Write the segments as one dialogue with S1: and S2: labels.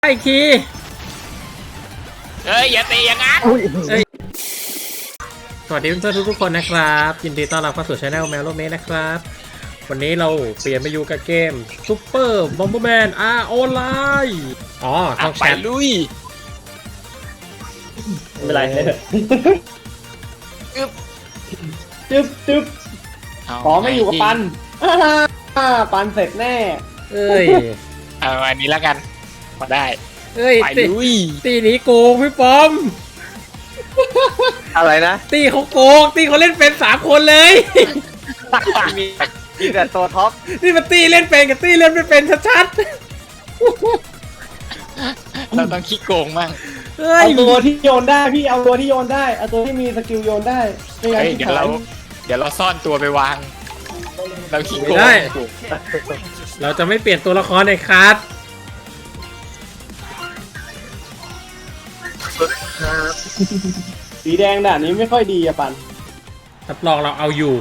S1: อีกที
S2: อย่าตีอย่างนั้น
S1: สวัสดีเพื่อนๆทุกคนนะครับยินดีต้อนรับเข้าสู่ช่องแมวโลเมนะครับวันนี้เราเปลี่ยนมาอยู่กับเกมซูเปอร์บอมเบอร์แมนออนไลน์ช่องแชท
S2: ลุย
S3: ไม่เป็นไรเลยจึ๊บขอไม่อยู่กับปันปันเสร็จแน่
S2: เอาอันนี้แล้วกันมาได้ไปลุย
S1: ตีนี้โกงพี่ปอม
S3: อะไรนะ
S1: ตีเขาโกงตีเขาเล่นเป็น3 คนเลย
S3: มีแต่ตัวท็อป
S1: นี่มันตีเล่นเป็นกับตีเล่นไม่เป็นชัด
S2: ๆเราต้องขี้โกงมั่ง
S3: เอาตัวที่โยนได้พี่เอาตัวที่โยนได้เอาตัวที่มีสกิลโยนได้
S2: เดี๋ยวเราซ่อนตัวไปวางเราขี้โกง
S1: ได้เราจะไม่เปลี่ยนตัวละครในคัส
S3: สีแดงด่านนี้ไม่ค่อยดีอะปัน
S1: รับรองเราเอาอยู่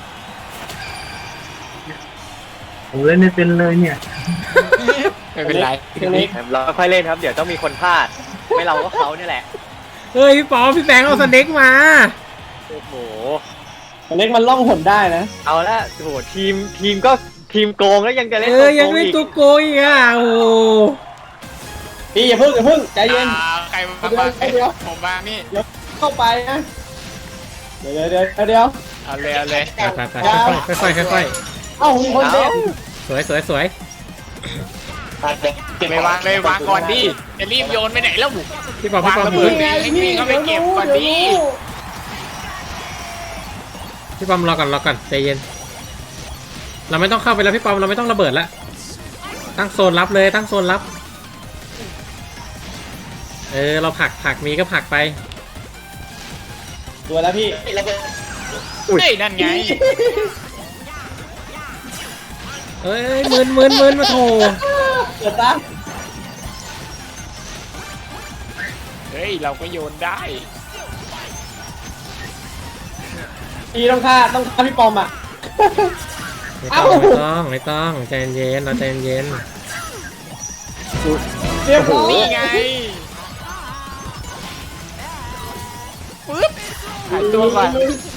S3: ผมเล่นไม่เป็นเลยเนี่ย
S2: ไม่เป็นไร
S3: เราค่อยเล่นครับเดี๋ยวต้องมีคนพลาดไม่เราก็เขาเนี่ยแหละ
S1: เฮ้ยพี่ปอมพี่แบงค์เอาสเน็กมา
S3: โอ้โหสเน็กมันล่องหนได้นะเอาละโอ้โหทีมก็ทีมโกงแล้วยังจะเล่นตัวโกงอีก
S1: ยังเล่นตัวโกงอีกอ่ะโอ้
S3: พี่อย่าเพิ่งใจเย็น
S2: ใครมาเดี๋ยวผมมานี่
S3: เข้าไปนะเดี๋ยว
S2: เอาเลย
S1: ไปค่อย
S3: เอ้าคนเด็ด
S1: สวย
S2: ไปวางเลยวางก่อนดิจะรีบโยนไปไหนแล้ว
S1: พี่ปอม
S2: มือนี่ก็ไปเก็บก่อนดิ
S1: พี่ปอมรอก่อนใจเย็นเราไม่ต้องเข้าไปแล้วพี่ปอมเราไม่ต้องระเบิดแล้วตั้งโซนรับเลยตั้งโซนรับเราผักมีก็ผักไป
S3: ตัวแล้วพี่
S2: นั่นไง
S1: มืนมาโถ
S3: เกิดตั้ง
S2: เราก็โยนได้
S3: พี่ต้องฆ่าพี่ปอมอ่ะ
S1: ไม่ต้องใจเย็นเราใจเย็น
S3: เรียบร้อย
S2: นี่ไงปึ๊บหายตัวก่อน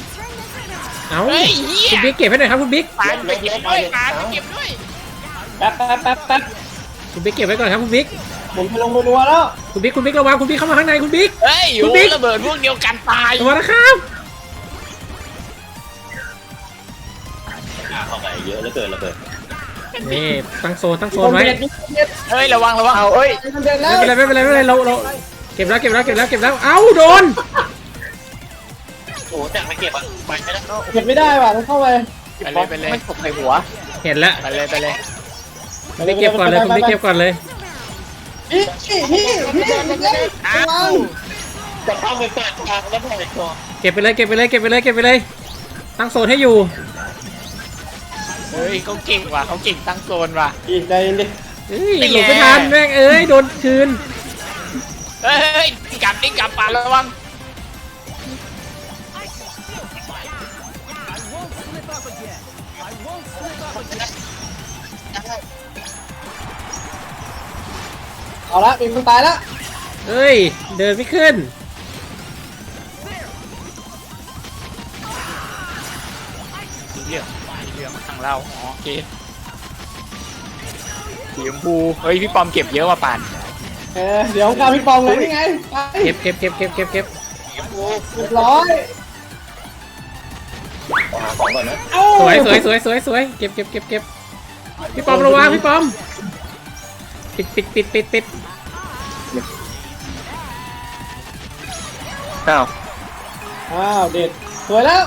S1: คุณบิ๊กเก็บให้หน่อยครับคุณบิ๊ก
S2: ไปเก็บด้วย
S3: แป๊บ
S1: คุณบิ๊กเก็บไว้ก่อนครับคุณบิ๊ก
S3: ผมไปลงไปรัวแล้ว
S1: คุณบิ๊กระวังคุณบิ๊กเข้ามาข้างในคุณบิ๊ก
S2: คุณบิ๊กระเบิดพวกเดียวกันตาย
S1: ตัวนะครับ
S3: เข้าไปเยอะแล้วเกินระเบิด
S1: นี่ตั้งโซนไว้
S2: ระวัง
S3: เอาไม่
S1: เป็นไรเราเก็บแล้วเอ้าโดน
S3: โอ้แต่ไม่เก็บอ่ะเก็บไม่ได้ว่ะต้องเข้าไป
S2: ไปเลย
S3: ไม่ตกใส่หัว
S1: เห็นแล้ว
S2: ไปเลย
S1: คุณบิ๊กเก็บก่อนเลยคุณบิ๊กเก็บก่อนเลย
S3: พี่จะเข้าไปเปิดทางแล้วปล่อยตัว
S1: เก็บไปเลยตั้งโซนให้อยู่
S2: เขาเก่งว่ะเขาเก่งตั้งโซนว่ะ
S3: ใจเย็นดิ
S1: หลบไม่ทันแม่งโดนคืน
S2: กลับปาระวัง
S3: เอาละเป็นคนตายแล้ว
S1: เดินไม่ขึ้น
S2: เรื่องทางเราโอเคสีชมพูพี่ปอมเก็บเยอะว่ะปาน
S3: เดี๋ยวข้าพี่ปอมเลยนี่ไง
S1: เก็บ
S3: ร้อย
S1: ของก่อนนะสวยเก็บพี่ปอมระวังพี่ปอมปิด
S3: อ้าวเด็ดสวยแล้ว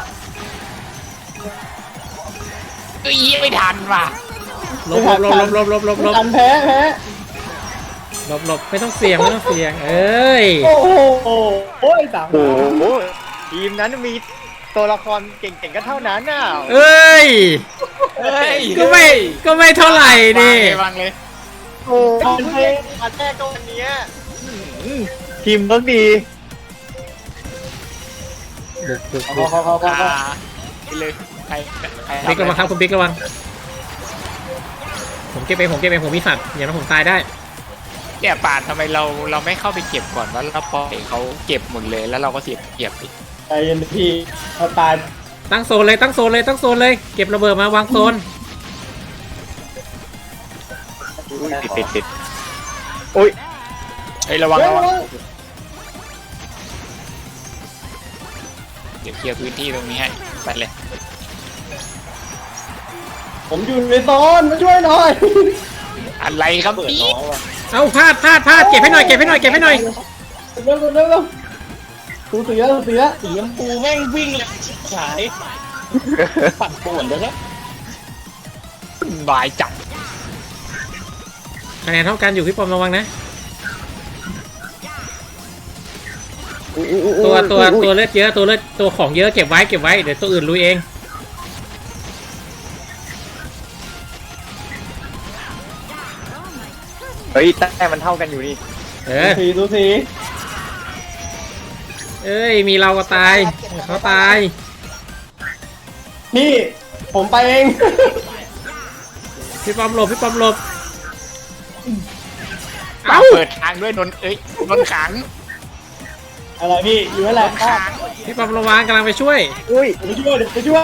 S2: ไม่ทันว่ะ
S1: ลบ
S3: ทันแพ้
S1: หลบไม่ต้องเสี่ยง
S3: โอ้โหสามทีมนั้นมีตัวละครเก่งๆก็เท่านั้นน่ะ
S1: ก็ไม่เท่าไหร่ดิ
S2: วางเลย
S3: โอ้มาแรกก็วันนี้ทีมต้องดี
S2: ไปเลยใคร
S1: บิ๊กระวังครับคุณบิ๊กระวังผมเก็บเองผมมีสัตว์อย่างนั้นผมตายได้
S2: เเนี่ยป่านทำไมเราไม่เข้าไปเก็บก่อนว่าเราปล่อยเขาเก็บหมดเลยแล้วเราก็เสียเก็บอีก
S3: ใจเย็นพี่เอาตาย
S1: ตั้งโซนเลยตั้งโซนเลยตั้งโซนเลยเก็บระเบิดมาวางโซน
S3: ติดอุ้ย
S2: เฮ้ยระวังเดี๋ยวเคลียร์พื้นที่ตรงนี้ให้ไปเลย
S3: ผมอยู่ในโซนมาช่วยหน่อย
S2: อะไรครับ
S3: เปิด
S2: พี่
S3: น้อยว่ะ
S1: เอาพลาดเก็บให้หน่อยเก็บให้หน่อยเก็บให้หน่อย
S3: เร็วตูเสือสีชมพูแม่งวิ่งเลยขายปัดปวดเลยนะ
S2: บายจับ
S1: คะแนนเท่ากันอยู่พี่ปอมระวังนะตัวเลือดเยอะตัวของเยอะเก็บไว้เดี๋ยวตัวอื่นลุยเอง
S3: เฮ้ยแต่มันเท่ากันอยู่นี่ ดูสี
S1: เอ้ยมีเราก็ตายเขาตาย
S3: นี่ผมไปเอง
S1: พี่ปอมหลบ
S2: เปิดทางด้วยนนเอ้ยนนขัง
S3: อะไรพี่อยู่นั่นแหละ
S2: ขัง
S1: พี่ปอมระวังกำลังไปช่วย
S3: อุ้ยไปช่วย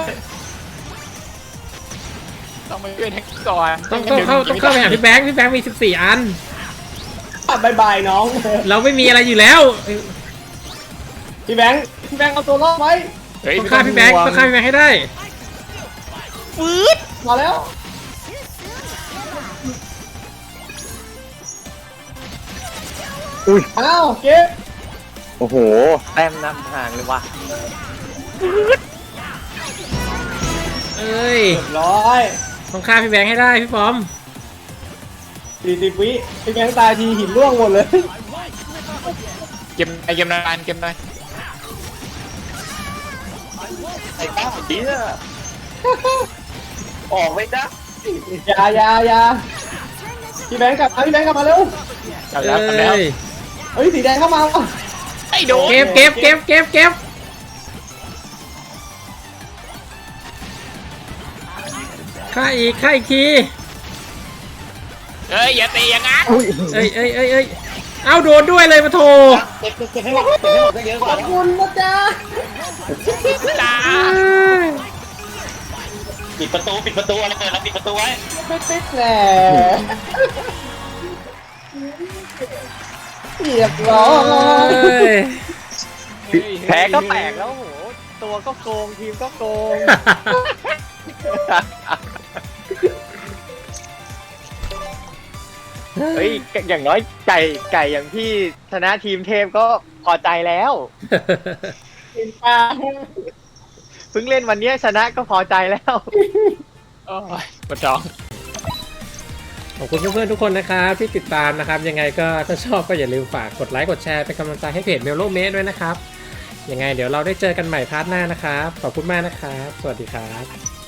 S2: ต้องไปช่วยแท็กก่อน
S1: ต้องเข้าไปหาพี่แบงค์มี14 อัน
S3: บายบายน้อง
S1: เราไม่มีอะไรอยู่แล้ว
S3: พี่แบงค์เอาตัวรอดไว้
S2: เฮ้ย
S1: ต้องฆ่าพี่แบงค์ให้ได้
S2: ฟืด
S3: มาแล้วอุ้ยอ้าวเก็บโอ้โหแต้มนำห่างเลยว่ะ
S1: เอ้ย
S3: ร้อย
S1: ต้องฆ่าพี่แบงค์ให้ได้พี่ปอม
S3: 40 วิพี่แบงค์ตายทีหินร่วงหมดเลย
S2: เก็บนานเก็บหน่อย
S3: ไอ้ป้าดีอะออกไม่ได้อย่าพี่แบงค์กลับมาเร็ว
S2: กลับแล้ว
S3: เฮ้ยสีแดงเข้ามาว่ะ
S2: ไอ้โดน
S1: เก็บฆ่าอีกที
S2: เอ้ยอย่าตีอย่างนั้น
S1: เอ้ยเอาโดนด้วยเลยมาโถ
S3: เก็บให้หมดก็เยอะกว่าขอบคุณนะจ๊ะ
S2: จ้า
S3: ปิดประตูอะไรเปิดแล้วปิดประตูไว้ไม่ปิดแหละเรียบร้อยแพ้ก็แตกแล้วโหตัวก็โกงทีมก็โกงเฮ้ยอย่างน้อยไก่อย่างพี่ชนะทีมเทพก็พอใจแล้วเพิ่งเล่นวันนี้ชนะก็พอใจแล้ว
S2: โอ้ยปวดท้อง
S1: ขอบคุณเพื่อนๆทุกคนนะครับที่ติดตามนะครับยังไงก็ถ้าชอบก็อย่าลืมฝากกดไลค์กดแชร์เป็นกำลังใจให้เพจเมลโลเมสด้วยนะครับยังไงเดี๋ยวเราได้เจอกันใหม่พาร์ทหน้านะครับขอบคุณมากนะครับสวัสดีครับ